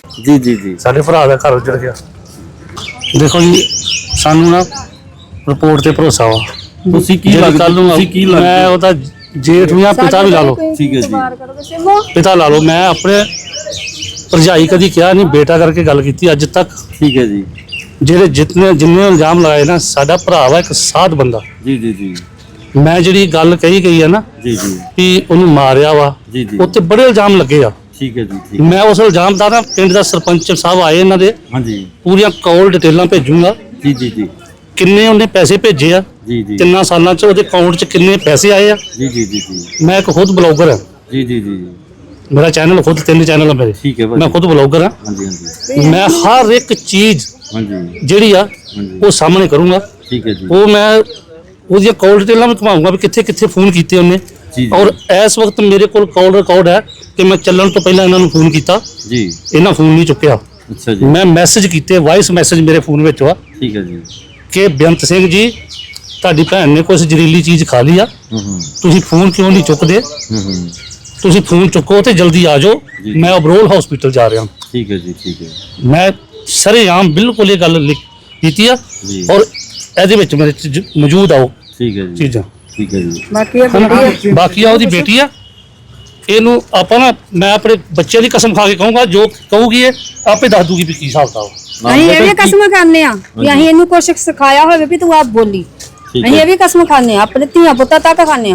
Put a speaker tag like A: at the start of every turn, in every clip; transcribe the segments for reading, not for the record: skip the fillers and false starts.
A: जी जी जी
B: साडे भरा दा घर उजड़ गया। देखो जी सानू ना रिपोर्ट ते भरोसा वा।
A: ਤੁਸੀਂ ਕੀ ਲੱਗਦਾ ਤੁਸੀਂ ਕੀ ਲੱਗਦਾ
B: मैं ओदा जेठ भी पिता भी ला लो,
A: ठीक है जी
B: पिता ला लो। मैं अपने भरजाई कदी क्या नहीं बेटा करके गल की अज तक।
A: ठीक है जी
B: ਜਿਹੜੇ ਜਿੰਨੇ ਇਲਜ਼ਾਮ ਲਾਏ ਨਾ ਸਾਡਾ ਭਰਾ ਵਾ ਇੱਕ ਸਾਧ ਬੰਦਾ।
A: जी जी जी
B: ਮੈਂ ਜਿਹੜੀ ਗੱਲ ਕਹੀ ਗਈ ਆ ਨਾ
A: जी जी
B: ਵੀ ਉਹਨੂੰ ਮਾਰਿਆ ਵਾ
A: जी जी
B: ਉੱਤੇ ਬੜੇ ਇਲਜ਼ਾਮ ਲੱਗੇ ਆ।
A: ठीक है जी ठीक
B: ਮੈਂ ਉਸ ਇਲਜ਼ਾਮ ਦਾ ਨਾ ਪਿੰਡ ਦਾ ਸਰਪੰਚ ਸਾਹਿਬ ਆਏ ਇਹਨਾਂ ਦੇ
A: हाँ जी
B: ਪੂਰੀਆਂ ਕਾਲ ਡਿਟੇਲਾਂ ਭੇਜੂਗਾ।
A: जी जी जी
B: ਕਿੰਨੇ ਉਹਨੇ ਪੈਸੇ ਭੇਜੇ ਆ,
A: जी जी
B: ਕਿੰਨਾ ਸਾਲਾਂ ਚ ਉਹਦੇ ਅਕਾਊਂਟ ਚ ਕਿੰਨੇ ਪੈਸੇ ਆਏ ਆ।
A: जी जी जी जी
B: ਮੈਂ ਇੱਕ ਖੁਦ ਬਲੌਗਰ ਹਾਂ,
A: जी जी जी
B: ਮੇਰਾ ਚੈਨਲ ਖੁਦ 3 ਚੈਨਲ ਆ ਮੇਰੇ।
A: ठीक है
B: ਮੈਂ ਖੁਦ ਬਲੌਗਰ ਹਾਂ।
A: हाँ जी हाँ जी
B: ਮੈਂ ਹਰ ਇੱਕ ਚੀਜ਼
A: हाँ जी
B: ਜਿਹੜੀ ਆ
A: हाँ जी
B: ਉਹ ਸਾਹਮਣੇ ਕਰੂੰਗਾ।
A: ठीक है जी
B: ਉਹ ਮੈਂ ਉਹਦੀਆਂ ਕਾਲ ਡਿਟੇਲਾਂ ਵੀ ਘੁਮਾਊਂਗਾ ਵੀ ਕਿੱਥੇ ਕਿੱਥੇ ਫੋਨ ਕੀਤੇ ਉਹਨੇ।
A: जी
B: ਔਰ ਇਸ ਵਕਤ ਮੇਰੇ ਕੋਲ ਕਾਲ ਰਿਕਾਰਡ ਹੈ ਕਿ ਮੈਂ ਚੱਲਣ ਤੋਂ ਪਹਿਲਾਂ ਇਹਨਾਂ ਨੂੰ ਫੋਨ ਕੀਤਾ,
A: जी
B: ਇਹਨਾਂ ਫੋਨ ਨਹੀਂ ਚੁੱਕਿਆ।
A: अच्छा जी
B: ਮੈਂ ਮੈਸੇਜ ਕੀਤੇ, ਵਾਇਸ ਮੈਸੇਜ ਮੇਰੇ ਫੋਨ ਵਿੱਚ ਆ
A: ठीक है जी
B: ਕਿ ਬੇਅੰਤ ਸਿੰਘ ਜੀ ਤੁਹਾਡੀ ਭੈਣ ਨੇ ਕੁਝ ਜ਼ਹਿਰੀਲੀ ਚੀਜ਼ ਖਾ ਲਈ ਆ, ਤੁਸੀਂ ਫੋਨ ਕਿਉਂ ਨਹੀਂ ਚੁੱਕਦੇ? ਤੁਸੀਂ ਫੋਨ ਚੁੱਕੋ ਤੇ ਜਲਦੀ ਆ ਜਾਓ,
A: ਜੀ।
B: ਮੈਂ ਅਬਰੋਲ ਹਸਪੀਟਲ ਜਾ ਰਿਹਾ।
A: ठीक है जी ठीक है
B: ਮੈਂ ਸਰੇਆਮ ਬਿਲਕੁਲ ਇਹ ਗੱਲ ਕੀਤੀ ਆ
A: ਜੀ।
B: ਔਰ ਇਹਦੇ ਵਿੱਚ ਮੇਰੇ ਮੌਜੂਦ ਆ ਉਹ
A: ठीक है जी
B: ਚੀਜ਼ਾਂ।
A: ठीक है जी
B: ਬਾਕੀ ਆ ਉਹਦੀ ਬੇਟੀ ਆ। ਇਹਨੂੰ ਆਪਾਂ ਨਾ ਮੈਂ ਆਪਣੇ ਬੱਚਿਆਂ ਦੀ ਕਸਮ ਖਾ ਕੇ ਕਹੂੰਗਾ ਜੋ ਕਹੂਗੀ ਇਹ ਆਪੇ ਦੱਸ ਦੂਗੀ ਵੀ ਕੀ ਹਿਸਾਬ ਦਾ।
C: ਅਸੀਂ ਇਹ ਵੀ ਕਸਮ ਖਾਂਦੇ ਆ ਵੀ ਅਸੀਂ ਇਹਨੂੰ ਕੁਛ ਸਿਖਾਇਆ ਹੋਵੇ ਵੀ ਤੂੰ ਆਪ ਬੋਲੀ।
A: ठीक
C: ਅਸੀਂ
A: है
C: ਇਹ ਵੀ ਕਸਮ ਖਾਂਦੇ ਆ, ਆਪਣੇ ਧੀਆਂ ਪੁੱਤਾਂ ਤੱਕ ਖਾਂਦੇ ਆ।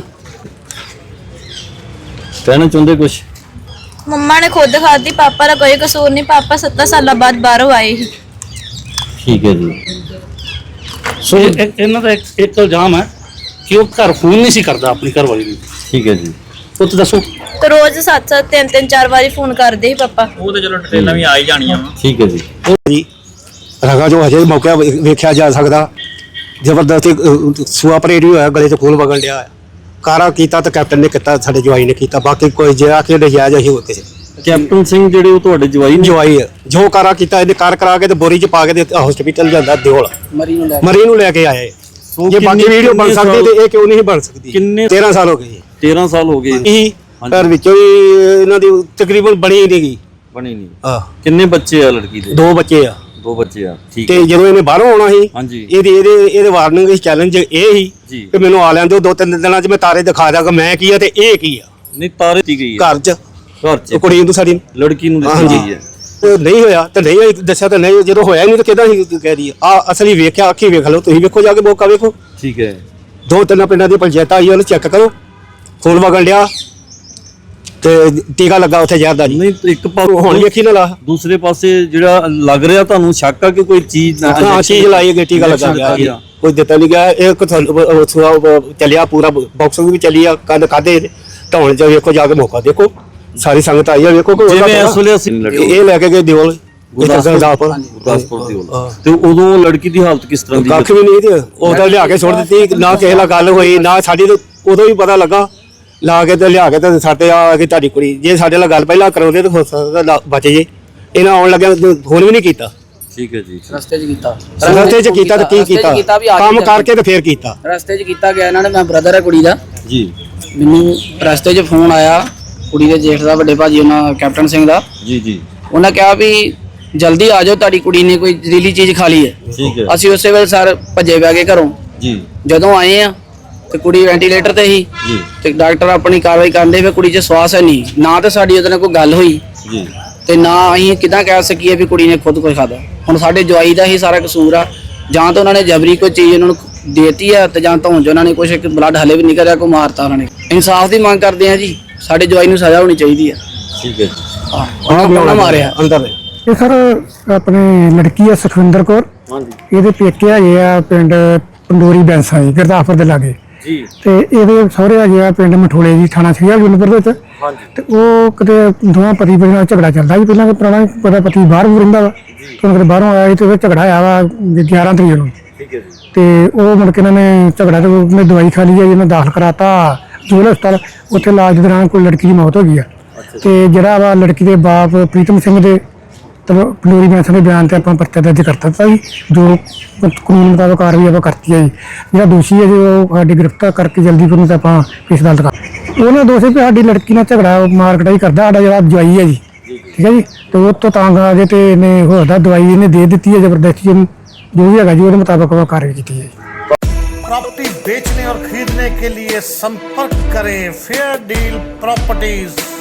A: कहना चाहते कुछ
D: ਮੰਮਾ ਨੇ ਖੁਦ ਖਾਦੀ, ਪਾਪਾ ਦਾ ਕੋਈ ਕਸੂਰ ਨਹੀਂ। ਪਾਪਾ 7 ਸਾਲਾਂ ਬਾਅਦ ਬਾਹਰੋਂ ਆਏ ਸੀ।
A: ठीक है जी
B: ਸੋ ਇਹਨਾਂ ਦਾ ਇੱਕ ਇਲਜ਼ਾਮ ਹੈ ਕਿ ਉਹ ਘਰ ਫੋਨ ਨਹੀਂ ਸੀ ਕਰਦਾ ਆਪਣੀ ਘਰਵਾਲੀ ਨੂੰ।
A: ठीक है जी
B: ਪੁੱਤ ਦੱਸੋ।
D: ਤੇ ਰੋਜ਼ 7-7 3-3 4 ਵਾਰੀ ਫੋਨ ਕਰਦੇ ਸੀ ਪਾਪਾ।
E: ਉਹ ਤੇ ਚਲੋ ਡਿਟੇਲਾਂ ਵੀ ਆ ਹੀ ਜਾਣੀਆਂ ਵਾ।
A: ठीक है जी
F: ਰਗਾ ਜੋ ਹਜੇ ਮੌਕਾ ਵੇਖਿਆ ਜਾ ਸਕਦਾ। ਜ਼ਬਰਦਸਤੀ ਸੂਆ ਪਰੇਡ ਵੀ ਹੋਇਆ, ਗਲੇ 'ਚ ਖੂਨ ਵਗਣ ਡਿਆ। ਕਾਰਾ ਕੀਤਾ ਤਾਂ ਕੈਪਟਨ ਨੇ ਕੀਤਾ, ਸਾਡੇ ਜਵਾਈ ਨੇ ਕੀਤਾ। ਬਾਕੀ ਕੋਈ ਜਿਹੜਾ ਕਿ ਨਜਾਇਜ਼ ਅਸੀਂ ਹੋ ਕਿਸੇ
A: ਕੈਪਟਨ ਸਿੰਘ ਜਿਹੜੇ ਉਹ ਤੁਹਾਡੇ ਜਵਾਈ ਨੇ?
F: ਜਵਾਈ ਆ। ਜੋ ਕਾਰਾ ਕੀਤਾ ਇਹਨੇ ਕਾਰ ਕਰਾ ਕੇ ਤੇ ਬੋਰੀ 'ਚ ਪਾ ਕੇ ਤੇ ਹਸਪੀਟਲ ਜਾਂਦਾ ਦਿਓਲ ਮਰੀ ਨੂੰ ਲੈ ਕੇ ਆਏ। ਜੇ ਬਾਕੀ ਵੀਡੀਓ ਬਣ ਸਕਦੀ ਤੇ ਇਹ ਕਿਉਂ ਨਹੀਂ ਬਣ ਸਕਦੀ?
A: ਕਿੰਨੇ
F: 13 ਸਾਲ ਹੋ ਗਏ
A: 13 ਸਾਲ ਹੋ ਗਏ
F: ਇਹੀ ਘਰ ਵਿੱਚੋਂ ਹੀ ਇਹਨਾਂ ਦੀ ਤਕਰੀਬਨ ਬਣੀ ਨਹੀਂ ਗਈ।
A: ਬਣੀ ਨਹੀਂ।
F: ਆ
A: ਕਿੰਨੇ ਬੱਚੇ ਆ ਲੜਕੀ ਦੇ?
F: 2 ਬੱਚੇ ਆ।
A: 2 ਬੱਚੇ ਆ ਠੀਕ
F: ਤੇ
A: ਹੈ
F: ਜਦੋਂ ਇਹਨੇ ਬਾਹਰੋਂ ਆਉਣਾ ਸੀ
A: ਹਾਂਜੀ
F: ਇਹਦੇ ਵਾਰਨਿੰਗ ਚੈਲੰਜ ਇਹ ਸੀ
A: ਜੀ
F: ਕਿ ਮੈਨੂੰ ਆ ਲੈਣ ਦਿਓ 2-3 ਦਿਨਾਂ 'ਚ ਮੈਂ ਤਾਰੇ ਦਿਖਾ ਦਾਂਗਾ ਮੈਂ ਕੀ ਆ ਤੇ ਇਹ ਕੀ ਆ।
A: ਨਹੀਂ ਤਾਰੇ ਦੀ ਗਈ ਹੈ
F: ਘਰ 'ਚ
A: ਘਰ ਚ
F: ਉਹ ਕੁੜੀ ਨੂੰ ਸਾਡੀ
A: ਲੜਕੀ ਨੂੰ ਦਿੱਤੀ
F: ਹਾਂਜੀ।
A: ਗਈ ਹੈ।
F: ਉਹ ਨਹੀਂ ਹੋਇਆ ਤੇ ਨਹੀਂ ਦੱਸਿਆ ਤਾਂ ਨਹੀਂ, ਜਦੋਂ ਹੋਇਆ ਹੀ ਨਹੀਂ ਤਾਂ ਕਿਦਾਂ ਹੀ ਕਹਿ ਰਹੀ ਆ। ਅਸਲੀ ਵੇਖਿਆ, ਅੱਖੀ ਵੇਖ ਲਓ, ਤੁਸੀਂ ਵੇਖੋ ਜਾ ਕੇ ਮੌਕਾ ਵੇਖੋ।
A: ਠੀਕ ਹੈ
F: 2-3 ਪਿੰਡਾਂ ਦੀ ਪੰਚਾਇਤ ਆਈ ਉਹਨੂੰ ਚੈੱਕ ਕਰੋ, ਖੂਨ ਵਗਣ ਡਿਆ ਤੇ ਟੀਕਾ ਲੱਗਾ ਉੱਥੇ ਜ਼ਹਿਰ ਦਾ ਜੀ।
A: ਨਹੀਂ ਇੱਕ
F: ਹੁਣ
A: ਪਾਸੇ
F: ਵੇਖੀ ਨਾ ਲਾ
A: ਦੂਸਰੇ ਪਾਸੇ ਜਿਹੜਾ ਲੱਗ ਰਿਹਾ ਤੁਹਾਨੂੰ ਸ਼ੱਕ ਆ ਕਿ ਕੋਈ ਚੀਜ਼
F: ਹਾਂ ਚੀਜ਼ ਲਾਈ ਗਈ, ਟੀਕਾ ਲੱਗਾ ਗਿਆ, ਕੋਈ ਦਿੱਤਾ ਨਹੀਂ ਗਿਆ। ਇਹ ਚੱਲਿਆ ਪੂਰਾ ਬਾਕਸ ਵੀ ਚੱਲੀ ਆ। ਕੰਨ ਕਾਦੇ ਢਾਉਣ ਚ ਵੇਖੋ ਜਾ ਕੇ ਮੌਕਾ ਦੇਖੋ, ਸਾਰੀ ਸੰਗਤ ਆਈ ਆ ਵੇਖੋ।
A: ਜਿਵੇਂ ਇਸ ਵੇਲੇ ਅਸੀਂ
F: ਇਹ ਲੈ ਕੇ ਗਏ ਦਿਓਲ
A: ਗੁਰਦਾਸਪੁਰ ਦੀ ਹੋਲ ਤੇ ਉਦੋਂ ਲੜਕੀ ਦੀ ਹਾਲਤ ਕਿਸ ਤਰ੍ਹਾਂ ਦੀ?
F: ਕੱਖ ਵੀ ਨਹੀਂ ਤੇ ਉਹ ਤਾਂ ਲਿਆ ਕੇ ਸੁੱਟ ਦਿੱਤੀ, ਨਾ ਕਿਸੇ ਨਾਲ ਗੱਲ ਹੋਈ ਨਾ ਸਾਡੀ। ਤਾਂ ਉਦੋਂ ਵੀ ਪਤਾ ਲੱਗਾ ਲਾ ਕੇ ਤੇ ਲਿਆ ਕੇ ਤੇ ਸਾਡੇ ਆ ਕੇ ਤੁਹਾਡੀ ਕੁੜੀ, ਜੇ ਸਾਡੇ ਨਾਲ ਗੱਲ ਪਹਿਲਾਂ ਕਰਾਉਂਦੇ ਤਾਂ ਹੋ ਸਕਦਾ ਬਚ ਜੇ। ਇਹਨਾਂ ਆਉਣ ਲੱਗਿਆ ਫੋਨ ਵੀ ਨਹੀਂ ਕੀਤਾ।
A: ਠੀਕ ਹੈ ਜੀ
G: ਰਸਤੇ 'ਚ ਕੀਤਾ
F: ਤਾਂ ਕੀ ਕੀਤਾ ਕੰਮ ਕਰਕੇ ਤੇ ਫੇਰ ਕੀਤਾ।
G: ਰਸਤੇ 'ਚ ਕੀਤਾ ਗਿਆ ਇਹਨਾਂ ਨੇ। ਮੈਂ ਬ੍ਰਦਰ ਹੈ ਕੁੜੀ ਦਾ
A: ਜੀ
G: ਮੈਨੂੰ ਰਸਤੇ 'ਚ ਫੋਨ ਆਇਆ ਕੁੜੀ ਦੇ ਜੇਠ ਦਾ, ਵੱਡੇ ਭਾਜੀ ਉਹਨਾਂ ਕੈਪਟਨ ਸਿੰਘ ਦਾ।
A: ਜੀ ਜੀ
G: ਉਹਨਾਂ ਕਿਹਾ ਵੀ ਜਲਦੀ ਆ ਜਾਓ, ਤੁਹਾਡੀ ਕੁੜੀ ਨੇ ਕੋਈ ਜ਼ਹਿਰੀਲੀ ਚੀਜ਼ ਖਾ ਲਈ ਹੈ।
A: ਠੀਕ ਹੈ
G: ਅਸੀਂ ਉਸੇ ਵੇਲੇ ਸਰ ਭੱਜੇ ਪੈ ਗਏ ਘਰੋਂ।
A: ਜੀ
G: ਜਦੋਂ ਆਏ ਆ ਤੇ ਕੁੜੀ ਵੈਂਟੀਲੇਟਰ ਤੇ ਸੀ
A: ਜੀ
G: ਤੇ ਡਾਕਟਰ ਆਪਣੀ ਕਾਰਵਾਈ ਕਰਦੇ ਫਿਰ ਕੁੜੀ 'ਚ ਸਵਾਸ ਹੈ ਨਹੀਂ, ਨਾ ਤਾਂ ਸਾਡੀ ਉਹਦੇ ਨਾਲ ਕੋਈ ਗੱਲ ਹੋਈ
A: ਜੀ
G: ਤੇ ਨਾ ਅਸੀਂ ਕਿਦਾਂ ਕਹਿ ਸਕੀਏ ਵੀ ਕੁੜੀ ਨੇ ਖੁਦ ਕੁਝ ਖਾਦਾ। ਹੁਣ ਸਾਡੇ ਜਵਾਈ ਦਾ ਹੀ ਸਾਰਾ ਕਸੂਰ ਆ। ਜਾਂ ਤਾਂ ਉਹਨਾਂ ਨੇ ਜਬਰੀ ਕੋਈ ਚੀਜ਼ ਉਹਨਾਂ ਨੂੰ ਦੇਤੀ ਆ ਤੇ ਜਾਂ ਧੌਣ 'ਚ ਉਹਨਾਂ ਨੇ ਕੁਝ ਬਲੱਡ ਹਲੇ ਵੀ ਨਿਕਲਿਆ, ਕੋ ਮਾਰਤਾ ਉਹਨਾਂ ਨੇ। ਇਨਸਾਫ ਦੀ ਮੰਗ ਕਰਦੇ ਆ ਜੀ, ਸਾਡੇ ਜਵਾਈ ਨੂੰ ਸਜ਼ਾ ਹੋਣੀ ਚਾਹੀਦੀ ਆ।
A: ਠੀਕ ਹੈ
G: ਉਹਨਾਂ ਮਾਰਿਆ
F: ਅੰਦਰ
H: ਇਹ ਸਰ ਆਪਣੇ ਲੜਕੀ ਆ ਸੁਖਵਿੰਦਰ ਕੌਰ।
A: ਹਾਂਜੀ
H: ਇਹਦੇ ਪੇਕੇ ਹੈਗੇ ਆ ਪਿੰਡ ਪੰਡੋਰੀ ਬੈਂਸਾ ਜੀ, ਗੁਰਦਾਸਪੁਰ ਦੇ ਲਾਗੇ।
A: ਜੀ
H: ਤੇ ਇਹਦੇ ਸਹੁਰੇ ਹੈਗੇ ਆ ਪਿੰਡ ਮਠੋਲੇ ਜੀ, ਥਾਣਾ ਸਿਆ ਗੁਰਨਪੁਰ ਵਿੱਚ।
A: ਹਾਂਜੀ
H: ਤੇ ਉਹ ਕਿਤੇ ਦੋਵਾਂ ਪਤੀ ਪਤਨੀ ਨਾਲ ਝਗੜਾ ਚੱਲਦਾ ਸੀ ਪਹਿਲਾਂ, ਪੁਰਾਣਾ ਪਤਾ ਪਤੀ ਬਾਹਰ ਵੀ ਰਹਿੰਦਾ ਵਾ। ਤੇ ਕਿਤੇ ਬਾਹਰੋਂ ਆਇਆ ਸੀ ਤੇ ਉਹ ਝਗੜਾ ਆਇਆ ਵਾ 11 ਤਰੀਕ ਨੂੰ।
A: ਠੀਕ ਹੈ ਜੀ
H: ਤੇ ਉਹ ਮੁੜ ਕੇ ਇਹਨਾਂ ਨੇ ਝਗੜਾ ਤੇ ਉਹਨੇ ਦਵਾਈ ਖਾ ਲਈ ਹੈ, ਜਿਹਨੇ ਦਾਖਲ ਕਰਾਤਾ ਜੋਲ ਹਸਪਤਾਲ। ਉੱਥੇ ਇਲਾਜ ਦੌਰਾਨ ਕੋਈ ਲੜਕੀ ਦੀ ਮੌਤ ਹੋ ਗਈ ਆ। ਤੇ ਜਿਹੜਾ ਵਾ ਲੜਕੀ ਦੇ ਬਾਪ ਪ੍ਰੀਤਮ ਸਿੰਘ ਦੇ ਪੰਡੋਰੀ ਬੈਂਸ ਦੇ ਬਿਆਨ ਤੇ ਆਪਾਂ ਪਰਚਾ ਦਰਜ ਕਰ ਦਿੱਤਾ ਜੀ। ਜੋ ਕਾਨੂੰਨ ਮੁਤਾਬਕ ਕਾਰਵਾਈ ਆਪਾਂ ਕਰਤੀ ਹੈ ਜੀ। ਜਿਹੜਾ ਦੋਸ਼ੀ ਹੈ ਜੀ ਉਹ ਸਾਡੀ ਗ੍ਰਿਫਤਾਰ ਕਰਕੇ ਜਲਦੀ ਉਹਨੂੰ ਤਾਂ ਆਪਾਂ ਇਸ ਅਦਾਲਤ ਕਰ। ਉਹਨਾਂ ਦੋਸ਼ੀ ਵੀ ਸਾਡੀ ਲੜਕੀ ਨਾਲ ਝਗੜਾ ਮਾਰ ਕਟਾਈ ਕਰਦਾ ਸਾਡਾ ਜਿਹੜਾ ਜਵਾਈ ਹੈ ਜੀ। ਠੀਕ ਹੈ ਜੀ। ਤੇ ਉਹ ਤੋਂ ਤੰਗ ਆ ਕੇ ਤੇ ਇਹਨੇ ਹੋਰ ਦਾ ਦਵਾਈ ਇਹਨੇ ਦੇ ਦਿੱਤੀ ਹੈ ਜ਼ਬਰਦਸਤੀ ਇਹਨੂੰ, ਜੋ ਵੀ ਹੈਗਾ ਜੀ ਉਹਦੇ ਮੁਤਾਬਕ ਉਹ ਕਾਰਵਾਈ ਕੀਤੀ ਹੈ।
I: प्रॉपर्टी बेचने और खरीदने के लिए संपर्क करें फेयर डील प्रॉपर्टीज।